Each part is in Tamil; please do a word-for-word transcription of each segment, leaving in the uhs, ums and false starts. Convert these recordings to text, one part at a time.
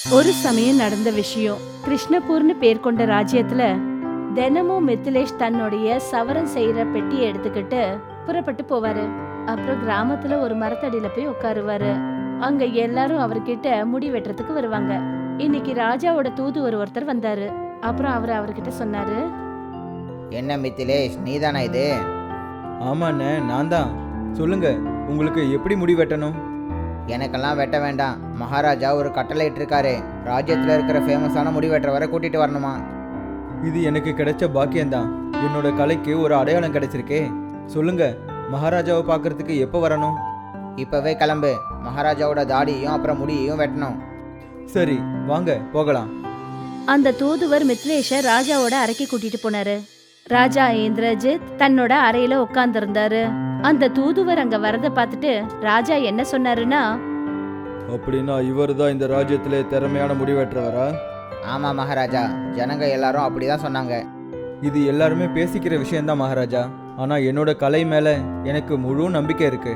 ஒரு சமயம் நடந்த விஷயம். கிருஷ்ணபூர்னு பேர் கொண்ட ராஜ்யத்துல தினமும் மித்திலேஷ் தன்னுடைய சவரம் செய்யற பெட்டியை எடுத்துக்கிட்டு புறப்பட்டு போவாரு. அப்புறம் கிராமத்துல ஒரு மரத்தடியில போய் உட்காருவாரு. அங்க எல்லாரும் அவர்கிட்ட முடி வெட்டுறதுக்கு வருவாங்க. இன்னைக்கு ராஜாவோட தூதுவர் ஒருத்தர் வந்தாரு. அப்புறம் அவர் அவர்கிட்ட சொன்னாரு, என்ன மித்திலேஷ், நீதானா இது? ஆமாண்ணே, நான் தான். சொல்லுங்க, உங்களுக்கு எப்படி முடி வெட்டணும்? எனக்கெல்லாம் வெட்ட வேண்டாம். மகாராஜா ஒரு கட்டளை இட்டிருக்காரு. ராஜ்யத்தில் இருக்கிற ஃபேமஸான முடி வெட்டுறவரை கூட்டிட்டு வரணுமா? இது எனக்கு கிடைச்ச பாக்கியம்தான். என்னோட கலைக்கு ஒரு அடையாளம் கிடைச்சிருக்கே. சொல்லுங்க, மகாராஜாவை பார்க்கறதுக்கு எப்போ வரணும்? இப்பவே கிளம்பு. மகாராஜாவோட தாடியையும் அப்புறம் முடியையும் வெட்டணும். சரி, வாங்க போகலாம். அந்த தூதுவர் மித்லேஷ ராஜாவோட அறைக்கு கூட்டிட்டு போனாரு. ராஜா இந்திரஜித் தன்னோட அறையில உட்கார்ந்து இருந்தாரு. அந்த தூதுவர் அங்க வரத பார்த்துட்டு ராஜா என்ன சொன்னாருன்னா, அப்படின்னா இவர் தான் இந்த ராஜ்யத்திலே திறமையான முடி வெட்டுறவரா? ஆமா மகாராஜா, ஜனங்க எல்லாரும் அப்படிதான் சொன்னாங்க. இது எல்லாருமே பேசிக்கிற விஷயம்தான் மகாராஜா. ஆனா என்னோட கலை மேல எனக்கு முழு நம்பிக்கை இருக்கு.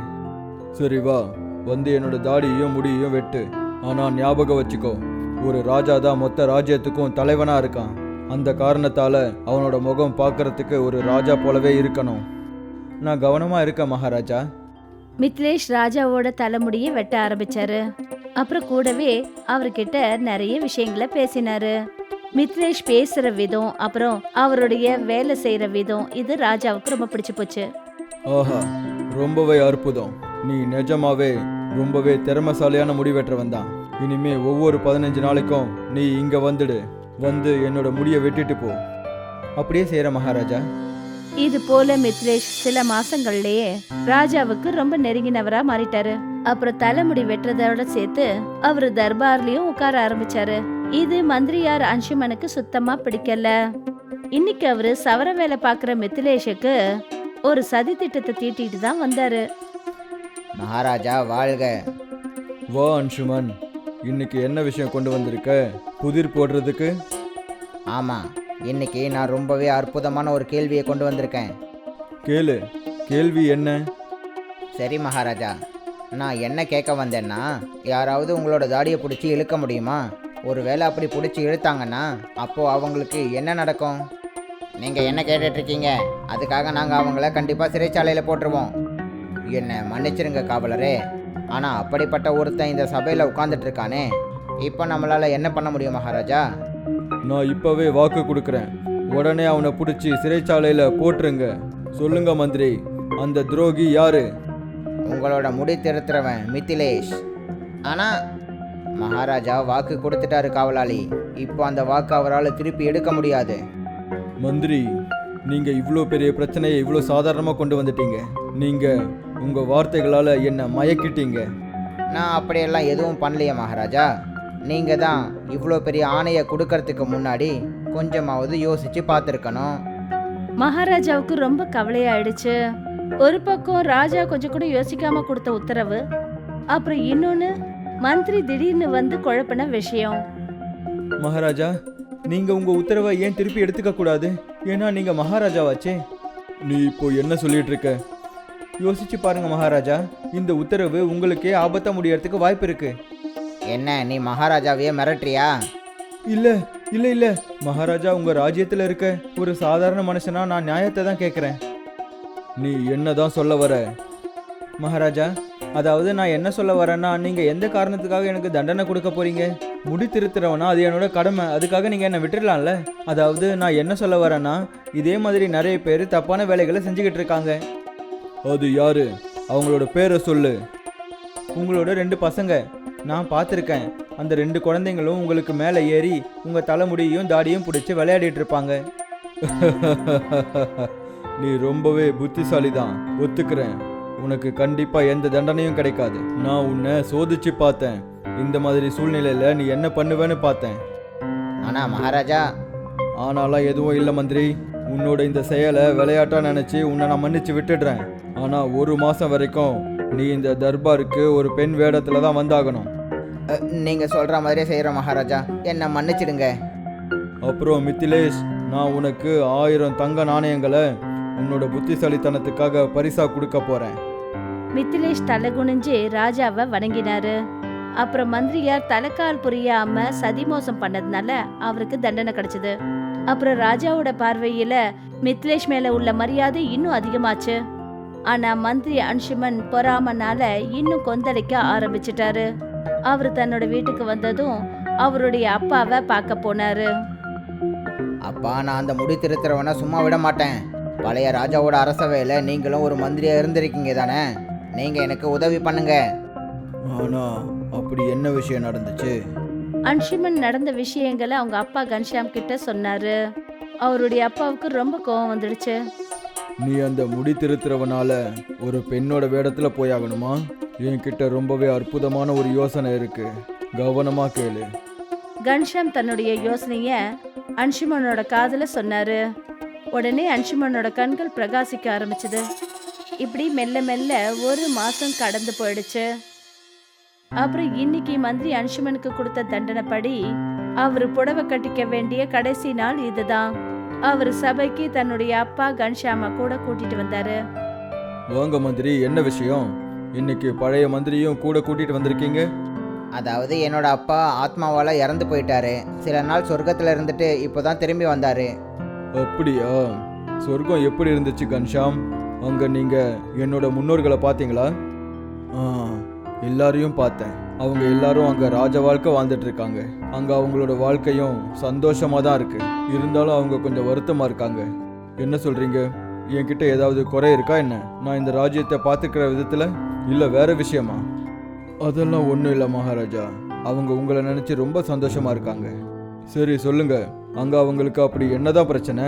சரி வா, வந்து என்னோட தாடியையும் முடியையும் வெட்டு. ஆனா ஞாபகம் வச்சுக்கோ, ஒரு ராஜா தான் மொத்த ராஜ்யத்துக்கும் தலைவனா இருக்கான். அந்த காரணத்தால அவனோட முகம் பார்க்கறதுக்கு ஒரு ராஜா போலவே இருக்கணும். நான் கவனமா இருக்கேன் மகாராஜா. மித்லேஷ் ராஜாவோட தலைமுடியை வெட்ட ஆரம்பிச்சாரு. அப்புறம் கூடவே அவர்கிட்ட நிறைய விஷயங்களை பேசினாரு. மித்லேஷ் பேசுற விதம், அப்புறம் அவருடைய வேலை செய்யற விதம், இது ராஜாவுக்கு ரொம்ப பிடிச்சு போச்சு. ஆஹா, ரொம்பவே அற்புதம். நீ நிஜமாவே ரொம்பவே திறமைசாலியான முடி வெட்டுறவன் தான். இனிமே ஒவ்வொரு பதினஞ்சு நாளைக்கும் நீ இங்க வந்துடு. வந்து என்னோட முடியை வெட்டிட்டு போ. அப்படியே செய்யற மகாராஜா. இது போல மித்லேஷ் சில மாசங்கள்லயே ராஜாவுக்கு ரொம்ப நெருங்கினவரா மாறிட்டாரு. அப்புறம் தலைமுடி வெட்டுறதோட சேர்த்து அவரு தர்பார்லயும் உட்கார ஆரம்பிச்சாரு. இது மந்திரியார் அன்சுமனுக்கு சுத்தமா பிடிக்கல. இன்னைக்கு அவரு சவர வேலை பாக்குற மித்லேஷுக்கு ஒரு சதி திட்டத்தை தீட்டிட்டு தான் வந்தாரு. மகாராஜா வாழ்க. வா அன்சுமன், இன்னைக்கு என்ன விஷயம் கொண்டு வந்திருக்க? புதிர் போடுறதுக்கு? ஆமா, இன்னைக்கு நான் ரொம்பவே அற்புதமான ஒரு கேள்வியை கொண்டு வந்திருக்கேன். கேளு. கேள்வி என்ன? சரி மகாராஜா, நான் என்ன கேட்க வந்தேன்னா, யாராவது உங்களோட தாடியை பிடிச்சி இழுக்க முடியுமா? ஒருவேளை அப்படி பிடிச்சி இழுத்தாங்கன்னா அப்போ அவங்களுக்கு என்ன நடக்கும்? நீங்கள் என்ன கேட்டுட்ருக்கீங்க? அதுக்காக நாங்கள் அவங்கள கண்டிப்பாக சிறைச்சாலையில் போட்டுருவோம். என்னை மன்னிச்சிருங்க காவலரே, ஆனால் அப்படிப்பட்ட ஒருத்தன் இந்த சபையில் உட்காந்துட்டு இருக்கானே, இப்போ நம்மளால் என்ன பண்ண முடியும் மகாராஜா? நான் இப்பவே வாக்கு கொடுக்குறேன். உடனே அவனை பிடிச்சி சிறைச்சாலையில போட்டுருங்க. சொல்லுங்க மந்திரி, அந்த துரோகி யாரு? உங்களோட முடி திருத்துறவன் மித்திலேஷ். ஆனால் மகாராஜா வாக்கு கொடுத்துட்டாரு காவலாளி. இப்போ அந்த வாக்கு அவரால் திருப்பி எடுக்க முடியாது. மந்திரி, நீங்க இவ்வளோ பெரிய பிரச்சனையை இவ்வளோ சாதாரணமாக கொண்டு வந்துட்டீங்க. நீங்க உங்க வார்த்தைகளால என்ன மயக்கிட்டீங்க. நான் அப்படியெல்லாம் எதுவும் பண்ணலையே மகாராஜா. நீங்கள் தான் இவ்வளோ பெரிய ஆணையை கொடுக்கறதுக்கு முன்னாடி கொஞ்சமாவது யோசிச்சு பார்த்துருக்கணும். மகாராஜாவுக்கு ரொம்ப கவலையாயிடுச்சு. ஒரு பக்கம் ராஜா கொஞ்சம் கூட யோசிக்காம கொடுத்த உத்தரவு, அப்புறம் இன்னொன்னு மந்திரி திடீர்னு வந்து குழப்பின விஷயம். மகாராஜா, நீங்க உங்க உத்தரவை ஏன் திருப்பி எடுத்துக்க கூடாது? ஏன்னா நீங்க மகாராஜாவாச்சே. நீ இப்போ என்ன சொல்லிட்டு இருக்க? யோசிச்சு பாருங்க மகாராஜா, இந்த உத்தரவு உங்களுக்கே ஆபத்தா முடியறதுக்கு வாய்ப்பு இருக்கு. என்ன, நீ மகாராஜாவையே மிரட்டுறியா? இல்ல இல்ல இல்ல மகாராஜா, உங்க ராஜ்யத்துல இருக்க ஒரு சாதாரண மனுஷனா நான் நியாயத்தை தான் கேட்குறேன். நீ என்னதான் சொல்ல வர? மகாராஜா, அதாவது நான் என்ன சொல்ல வரேன்னா, நீங்க எந்த காரணத்துக்காக எனக்கு தண்டனை கொடுக்க போறீங்க? முடி திருத்துறவனா, அது என்னோட கடமை. அதுக்காக நீங்க என்ன விட்டுடலாம்ல. அதாவது நான் என்ன சொல்ல வரேன்னா, இதே மாதிரி நிறைய பேர் தப்பான வேலைகளை செஞ்சுக்கிட்டு இருக்காங்க. அது யாரு? அவங்களோட பேரை சொல்லு. உங்களோட ரெண்டு பசங்க. நான் பார்த்துருக்கேன். அந்த ரெண்டு குழந்தைங்களும் உங்களுக்கு மேலே ஏறி உங்கள் தலைமுடியையும் தாடியும் பிடிச்சி விளையாடிட்டு இருப்பாங்க. நீ ரொம்பவே புத்திசாலி தான், ஒத்துக்கிறேன். உனக்கு கண்டிப்பாக எந்த தண்டனையும் கிடைக்காது. நான் உன்னை சோதிச்சு பார்த்தேன். இந்த மாதிரி சூழ்நிலையில் நீ என்ன பண்ணுவேன்னு பார்த்தேன். ஆனால் மகாராஜா. ஆனாலாம் எதுவும் இல்லை மந்திரி. உன்னோட இந்த செயலை விளையாட்டாக நினச்சி உன்னை நான் மன்னிச்சு விட்டுடுறேன். ஆனால் ஒரு மாதம் வரைக்கும் நீ இந்த தர்பாருக்கு ஒரு பெண் வேடத்தில் தான் வந்தாகணும். நீங்கள் சொல்கிற மாதிரியே செய்கிற மகாராஜா, என்னை மன்னிச்சிடுங்க. அப்புறம் மித்திலேஷ், நான் உனக்கு ஆயிரம் தங்க நாணயங்களை உன்னோட புத்திசாலித்தனத்துக்காக பரிசா கொடுக்க போகிறேன். மித்திலேஷ் தலை குனிஞ்சு ராஜாவை வணங்கினாரு. அப்புறம் மந்திரியார் தலைக்கால் புரியாம சதி மோசம் பண்ணதுனால அவருக்கு தண்டனை கிடைச்சது. அப்புறம் ராஜாவோட பார்வையில மித்லேஷ் மேல உள்ள மரியாதை இன்னும் அதிகமாச்சு. ஆனா மந்திரி அன்சுமன் பொறாமனால இன்னும் கொந்தளிக்க ஆரம்பிச்சிட்டாரு. அவரு தன்னோட வீட்டுக்கு வந்ததும் அவருடைய அப்பாவை பார்க்க போனாரு. அப்பா, நான் அந்த முடி திருத்துறவனை சும்மா விட மாட்டேன். பழைய ராஜாவோட அரசவையில் நீங்களும் ஒரு மந்திரியா இருந்திருக்கீங்க தானே? நீங்கள் எனக்கு உதவி பண்ணுங்க. ஆனா அப்படி என்ன விஷயம் நடந்துச்சு? அன்சுமன் நடந்த விஷயங்களை அவங்க அப்பா கன்ஷாம் கிட்ட சொன்னாரு. அவருடைய அப்பாவுக்கு ரொம்ப கோவம் வந்துடுச்சு. நீ அந்த முடி திருத்துறவனால ஒரு பெண்ணோட வேடத்துல போயாகணுமா? என்கிட்ட ரொம்பவே அற்புதமான ஒரு யோசனை இருக்கு, கவனமா கேளு. கன்ஷாம் தன்னுடைய யோசனைய அன்சுமனோட காதுல சொன்னாரு. உடனே அன்சுமனோட கண்கள் பிரகாசிக்க ஆரம்பிச்சது. இப்படி மெல்ல மெல்ல ஒரு மாசம் கடந்து போயிடுச்சு. அப்புறம் இன்னைக்கு மந்திரி அன்சுமனுக்கு கொடுத்த தண்டனைப்படி அவரு புடவை கட்டிக்க வேண்டிய கடைசி நாள் இதுதான். அவரு சபைக்கு தன்னுடைய அப்பா கன்ஷாம கூட கூட்டிட்டு வந்தாரு. வாங்க மந்திரி, என்ன விஷயம்? இன்னைக்கு பழைய மந்திரியும் கூட கூட்டிட்டு வந்திருக்கீங்க? அதாவது என்னோட அப்பா ஆத்மாவால் இறந்து போயிட்டாரு. சில நாள் சொர்க்கத்தில் இருந்துட்டு இப்போ தான் திரும்பி வந்தார். அப்படியா? சொர்க்கம் எப்படி இருந்துச்சு கன்ஷாம்? அங்கே நீங்கள் என்னோட முன்னோர்களை பார்த்தீங்களா? ஆ, எல்லாரையும் பார்த்தேன். அவங்க எல்லாரும் அங்கே ராஜ வாழ்க்கை வாழ்ந்துட்டு இருக்காங்க. அங்கே அவங்களோட வாழ்க்கையும் சந்தோஷமாக தான் இருக்கு. இருந்தாலும் அவங்க கொஞ்சம் வருத்தமாக இருக்காங்க. என்ன சொல்கிறீங்க? என்கிட்ட ஏதாவது குறை இருக்கா என்ன? நான் இந்த ராஜ்யத்தை பார்த்துக்கிற விதத்தில் இல்லை வேற விஷயமா? அதெல்லாம் ஒன்றும் இல்லை மகாராஜா. அவங்க உங்களை நினச்சி ரொம்ப சந்தோஷமாக இருக்காங்க. சரி சொல்லுங்க, அங்கே அவங்களுக்கு அப்படி என்னதான் பிரச்சனை?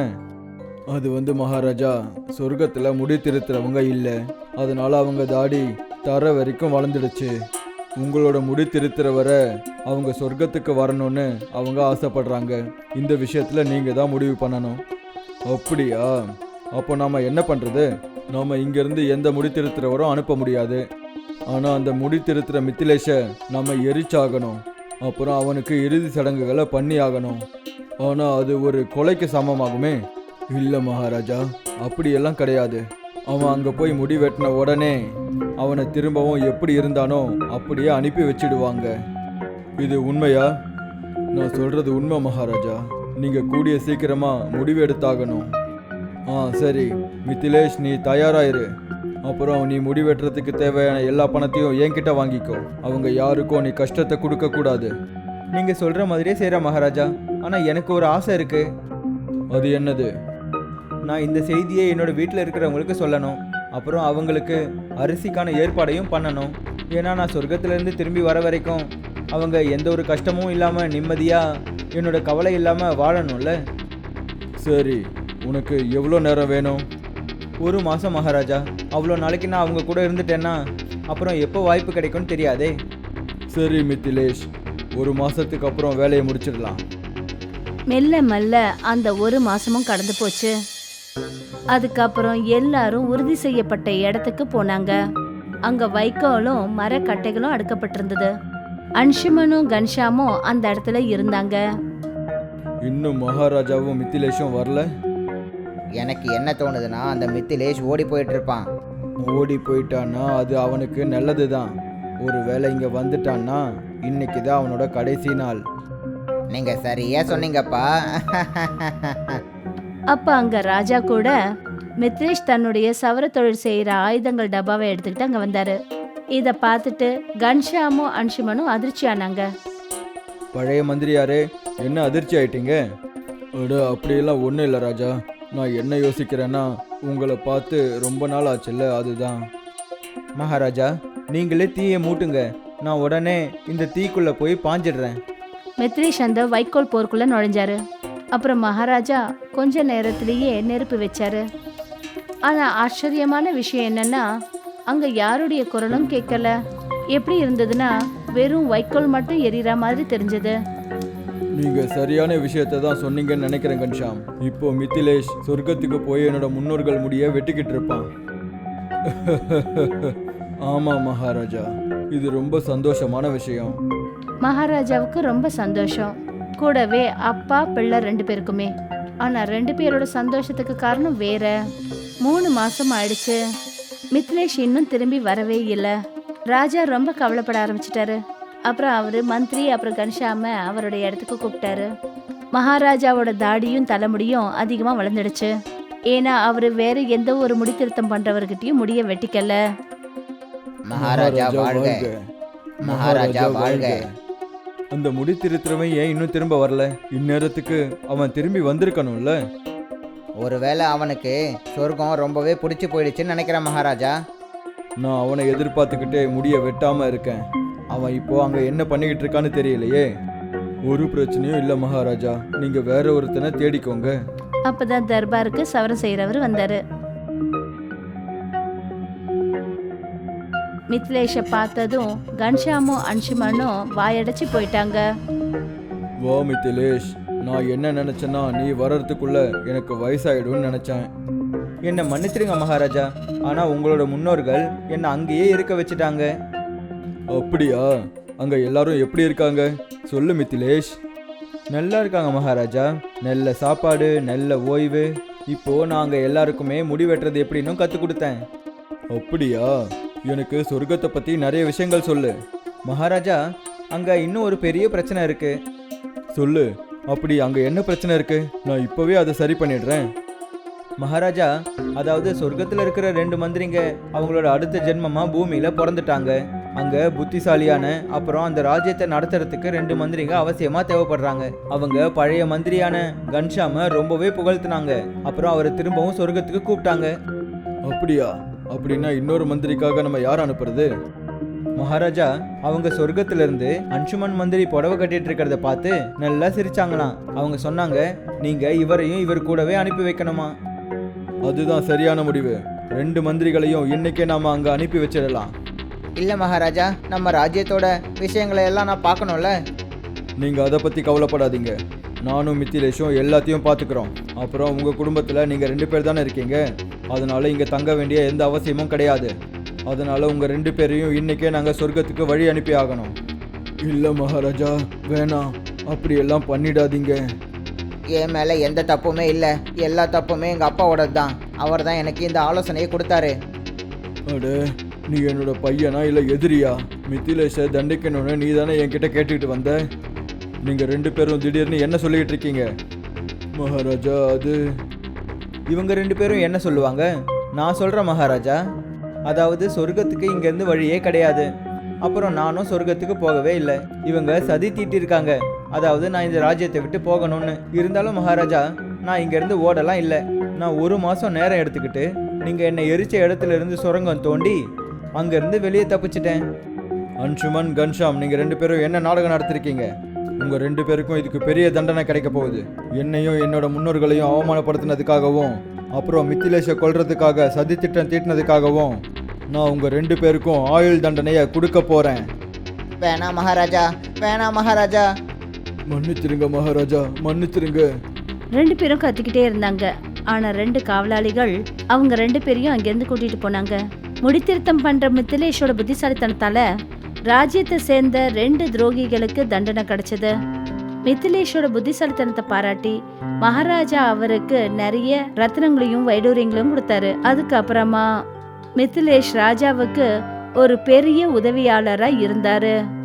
அது வந்து மகாராஜா, சொர்க்கத்தில் முடி திருத்துறவங்க இல்லை. அதனால அவங்க தாடி தர வரைக்கும் வளர்ந்துடுச்சு. உங்களோட முடி திருத்துற வர அவங்க சொர்க்கத்துக்கு வரணும்னு அவங்க ஆசைப்படுறாங்க. இந்த விஷயத்தில் நீங்கள் தான் முடிவு பண்ணணும். அப்படியா? அப்போ நாம் என்ன பண்ணுறது? நாம் இங்கேருந்து எந்த முடி திருத்துறவரும் அனுப்ப முடியாது. ஆனால் அந்த முடி திருத்துற மித்திலேஷை நம்ம எரிச்சாகணும். அப்புறம் அவனுக்கு இறுதி சடங்குகளை பண்ணி ஆகணும். ஆனால் அது ஒரு கொலைக்கு சமமாகுமே. இல்லை மகாராஜா, அப்படியெல்லாம் கிடையாது. அவன் அங்கே போய் முடி வெட்டின உடனே அவனை திரும்பவும் எப்படி இருந்தானோ அப்படியே அனுப்பி வச்சிடுவாங்க. இது உண்மையா? நான் சொல்கிறது உண்மை மகாராஜா. நீங்கள் கூடிய சீக்கிரமாக முடிவு எடுத்தாகணும். ஆ சரி மித்திலேஷ், நீ தயாராயிரு. அப்புறம் நீ முடி வெட்டுறதுக்கு தேவையான எல்லா பணத்தையும் என்கிட்ட வாங்கிக்கோ. அவங்க யாருக்கும் நீ கஷ்டத்தை கொடுக்கக்கூடாது. நீங்கள் சொல்கிற மாதிரியே செய்கிற மகாராஜா. ஆனால் எனக்கு ஒரு ஆசை இருக்குது. அது என்னது? நான் இந்த செய்தியை என்னோடய வீட்டில் இருக்கிறவங்களுக்கு சொல்லணும். அப்புறம் அவங்களுக்கு அரிசிக்கான ஏற்பாடையும் பண்ணணும். ஏன்னா நான் சொர்க்கத்திலேருந்து திரும்பி வர வரைக்கும் அவங்க எந்த ஒரு கஷ்டமும் இல்லாமல் நிம்மதியாக என்னோட கவலை இல்லாமல் வாழணும்ல. சரி, உனக்கு எவ்வளோ நேரம் வேணும்? ஒரு மாதம் மகாராஜா. அவ்வளோ நாளைக்கு நான் அவங்க கூட இருந்துட்டேன்னா அப்புறம் எப்போ வாய்ப்பு கிடைக்கும்னு தெரியாதே. சரி மித்திலேஷ், ஒரு மாதத்துக்கு அப்புறம் வேலையை முடிச்சிடலாம். மெல்ல மெல்ல அந்த ஒரு மாசமும் கடந்து போச்சு. அதுக்கப்புறம் எல்லாரும் உறுதி செய்யப்பட்ட இடத்துக்கு போனாங்க. அங்க வைக்கோலும் மரக்கட்டைகளும் அடுக்கப்பட்டிருந்தது. அன்சுமனும் கன்ஷாமும் அந்த இடத்துல இருந்தாங்க. இன்னும் மகாராஜாவும் மித்திலேஷும் வரல. எனக்கு என்ன தோணுதுன்னா, அந்த மித்திலேஷ் ஓடி போயிட்டு இருப்பான். ஓடி போயிட்டான்னா அது அவனுக்கு நல்லது தான். ஒரு வேளை இங்கே வந்துட்டான்னா இன்னைக்கு தான் அவனோட கடைசி நாள். நீங்கள் சரியாக சொன்னீங்கப்பா. அப்ப அங்க ராஜா கூட மித்ரேஷ் தன்னுடைய சவர தொழில் செய்யற ஆயுதங்கள் டப்பாவை எடுத்துக்கிட்டு அங்க வந்தாரு. இத பார்த்துட்டு கன்ஷாமும் அன்சுமனும் அதிர்ச்சி ஆனாங்க. பழைய மந்திரியாரே, என்ன அதிர்ச்சி ஆயிட்டீங்க? அட அப்படியெல்லாம் ஒன்றும் இல்லை ராஜா. நான் என்ன யோசிக்கிறேன்னா, உங்களை பார்த்து ரொம்ப நாள் ஆச்சுல்ல, அதுதான். மகாராஜா, நீங்களே தீயை மூட்டுங்க. நான் உடனே இந்த தீக்குள்ளே போய் பாஞ்சிடுறேன். மித்ரேஷ் அந்த வைக்கோல் போருக்குள்ள நுழைஞ்சாரு. அப்புறம் மகாராஜா கொஞ்ச நேரத்திலேயே நெருப்பு வச்சாரு. ஆனா ஆச்சரியமான விஷயம் என்னன்னா, அங்க யாருடைய குரலும் கேட்கல. எப்படி இருந்ததுன்னா, வெறும் வைக்கோல் மட்டும் எரியற மாதிரி தெரிஞ்சது. நீங்க சரியான விஷயத்தை தான் சொன்னீங்கன்னு நினைக்கிறேன் கன்ஷாம். இப்போ மித்திலேஷ் சொர்க்கத்துக்கு போய் என்னோட முன்னோர்கள் முடிய வெட்டிக்கிட்டு இருப்பான். ஆமா மகாராஜா, இது ரொம்ப சந்தோஷமான விஷயம். மகாராஜாவுக்கு ரொம்ப சந்தோஷம். கூடவே அப்பா பிள்ளை ரெண்டு பேருக்குமே. ஆனா ரெண்டு பேரோட சந்தோஷத்துக்கு காரணம் வேற. மூணு மாசம் ஆயிடுச்சு. மித்லேஷ் இன்னும் திரும்பி வரவே இல்லை. ராஜா ரொம்ப கவலைப்பட ஆரம்பிச்சிட்டாரு. அப்புறம் அவரு மந்திரி அப்புறம் கன்ஷாம அவருடைய இடத்துக்கு கூப்பிட்டாரு. மகாராஜாவோட தாடியும் தலைமுடியும் அதிகமா வளர்ந்துடுச்சு. ஏன்னா அவரு வேற எந்த ஒரு முடி திருத்தம் பண்றவர்கிட்டயும் முடிய வெட்டிக்கல. மகாராஜா வாழ்க, மகாராஜா வாழ்க. அந்த முடி திருத்துறவன் ஏன் இன்னும் திரும்ப வரல? இந்நேரத்துக்கு அவன் திரும்பி வந்திருக்கணும்ல. ஒருவேளை அவனுக்கு சொர்க்கம் ரொம்பவே பிடிச்சி போயிடுச்சுன்னு நினைக்கிறேன் மகாராஜா. நான் அவனை எதிர்பார்த்துக்கிட்டே முடிய வெட்டாம இருக்கேன். அவன் இப்போ அங்க என்ன பண்ணிக்கிட்டு இருக்கான்னு தெரியலையே. ஒரு பிரச்சனையும் இல்லை மகாராஜா, நீங்க வேற ஒருத்தனை தேடிக்கோங்க. அப்பதான் தர்பாருக்கு சவரம் செய்யறவர் வந்தாரு. மித்லேஷ பார்த்ததும் கன்ஷாமும் அன்சுமனும் வாயடைச்சு போயிட்டாங்க. வா மித்திலேஷ், நான் என்ன நினைச்சேன்னா நீ வர்றதுக்குள்ள எனக்கு வயசாயிடும்னு நினைச்சேன். என்னை மன்னிச்சிருங்க மகாராஜா, ஆனா உங்களோட முன்னோர்கள் என்னை அங்கேயே இருக்க வச்சுட்டாங்க. அப்படியா? அங்க எல்லாரும் எப்படி இருக்காங்க சொல்லு மித்திலேஷ். நல்லா இருக்காங்க மகாராஜா, நல்ல சாப்பாடு, நல்ல ஓய்வு. இப்போ நாங்க எல்லாருக்குமே முடி வெட்டுறது எப்படின்னு கத்து கொடுத்தேன். அப்படியா? எனக்கு சொர்க்கத்தை பத்தி நிறைய விஷயங்கள் சொல்லு. மகாராஜா, அங்க இன்னும் ஒரு பெரிய பிரச்சனை இருக்கு. சொல்லு, அப்படி அங்க என்ன பிரச்சனை இருக்கு? நான் இப்பவே அதை சரி பண்ணிடுறேன். மகாராஜா, அதாவது சொர்க்கத்துல இருக்கிற ரெண்டு மந்திரிங்க அவங்களோட அடுத்த ஜென்மமா பூமியில பிறந்துட்டாங்க. அங்க புத்திசாலியான அப்புறம் அந்த ராஜ்யத்தை நடத்துறதுக்கு ரெண்டு மந்திரிங்க அவசியமா தேவைப்படுறாங்க. அவங்க பழைய மந்திரியான கன்ஷாம ரொம்பவே புகழ்த்தினாங்க. அப்புறம் அவரை திரும்பவும் சொர்க்கத்துக்கு கூப்பிட்டாங்க. அப்படியா? அப்படின்னா இன்னொரு மந்திரிக்காக நம்ம யார் அனுப்புறது? மகாராஜா, அவங்க சொர்க்கத்துல இருந்து அன்சுமன் மந்திரி புடவை கட்டிட்டு இருக்கிறத பார்த்து நல்லா சிரிச்சாங்களாம். அவங்க சொன்னாங்க, நீங்க இவரையும் இவர் கூடவே அனுப்பி வைக்கணுமா. அதுதான் சரியான முடிவு. ரெண்டு மந்திரிகளையும் இன்னைக்கே நாம அங்க அனுப்பி வச்சிடலாம். இல்லை மகாராஜா, நம்ம ராஜ்யத்தோட விஷயங்களை எல்லாம் நான் பார்க்கணும்ல. நீங்க அதை பத்தி கவலைப்படாதீங்க, நானும் மித்திலேஷும் எல்லாத்தையும் பார்த்துக்கிறோம். அப்புறம் உங்க குடும்பத்துல நீங்க ரெண்டு பேர் தானே இருக்கீங்க, அதனால இங்க தங்க வேண்டிய எந்த அவசியமும் கிடையாது. அதனால உங்க ரெண்டு பேரையும் இன்னைக்கே நாங்க சொர்க்கத்துக்கு வழி அனுப்பி ஆகணும். இல்ல மகாராஜா, வேணாம், அப்படி எல்லாம் பண்ணிடாதீங்க. என் மேலே எந்த தப்புமே இல்லை, எல்லா தப்புமே எங்கள் அப்பாவோடது தான். அவர் தான் எனக்கு இந்த ஆலோசனையை கொடுத்தாரு. அட, நீ என்னோட பையனா இல்லை எதிரியா? மித்திலேஷை தண்டிக்கணும்னு நீ தானே என்கிட்ட கேட்டுக்கிட்டு வந்த. நீங்கள் ரெண்டு பேரும் திடீர்னு என்ன சொல்லிக்கிட்டு இருக்கீங்க? மகாராஜா, அது இவங்க ரெண்டு பேரும் என்ன சொல்லுவாங்க? நான் சொல்கிறேன் மகாராஜா. அதாவது சொர்க்கத்துக்கு இங்கேருந்து வழியே கிடையாது. அப்புறம் நானும் சொர்க்கத்துக்கு போகவே இல்லை. இவங்க சதி தீட்டிருக்காங்க, அதாவது நான் இந்த ராஜ்யத்தை விட்டு போகணும்னு. இருந்தாலும் மகாராஜா, நான் இங்கேருந்து ஓடலாம் இல்லை. நான் ஒரு மாதம் நேரம் எடுத்துக்கிட்டு நீங்கள் என்னை எரிச்ச இடத்துல இருந்து சுரங்கம் தோண்டி அங்கேருந்து வெளியே தப்பிச்சிட்டேன். அன்சுமன், கன்ஷாம், நீங்கள் ரெண்டு பேரும் என்ன நாடகம் நடத்திருக்கீங்க? உங்கள் ரெண்டு பேருக்கும் இதுக்கு பெரிய தண்டனை கிடைக்க போகுது. என்னையும் என்னோட முன்னோர்களையும் அவமானப்படுத்தினதுக்காகவும் அப்புறம் மித்திலேஷை கொல்றதுக்காக சதி திட்டம் தீட்டினதுக்காகவும் நான் உங்கள் ரெண்டு பேருக்கும் ஆயுள் தண்டனையை கொடுக்க போகிறேன். வேணா மகாராஜா, வேணா மகாராஜா. மன்னிச்சிருங்க மகாராஜா, மன்னிச்சிருங்க. ரெண்டு பேரும் கத்திக்கிட்டே இருந்தாங்க. ஆனா ரெண்டு காவலாளிகள் அவங்க ரெண்டு பேரையும் அங்கிருந்து கூட்டிட்டு போனாங்க. முடித்திருத்தம் பண்ற மித்திலேஷோட புத்திசாலித்தனத்தால ராஜ்யத்தை சேர்ந்த ரெண்டு துரோகிகளுக்கு தண்டனை கிடைச்சது. மித்திலேஷோட புத்திசாலித்தனத்தை பாராட்டி மகாராஜா அவருக்கு நிறைய ரத்னங்களையும் வைடூரியங்களையும் கொடுத்தாரு. அதுக்கப்புறமா மித்திலேஷ் ராஜாவுக்கு ஒரு பெரிய உதவியாளரா இருந்தாரு.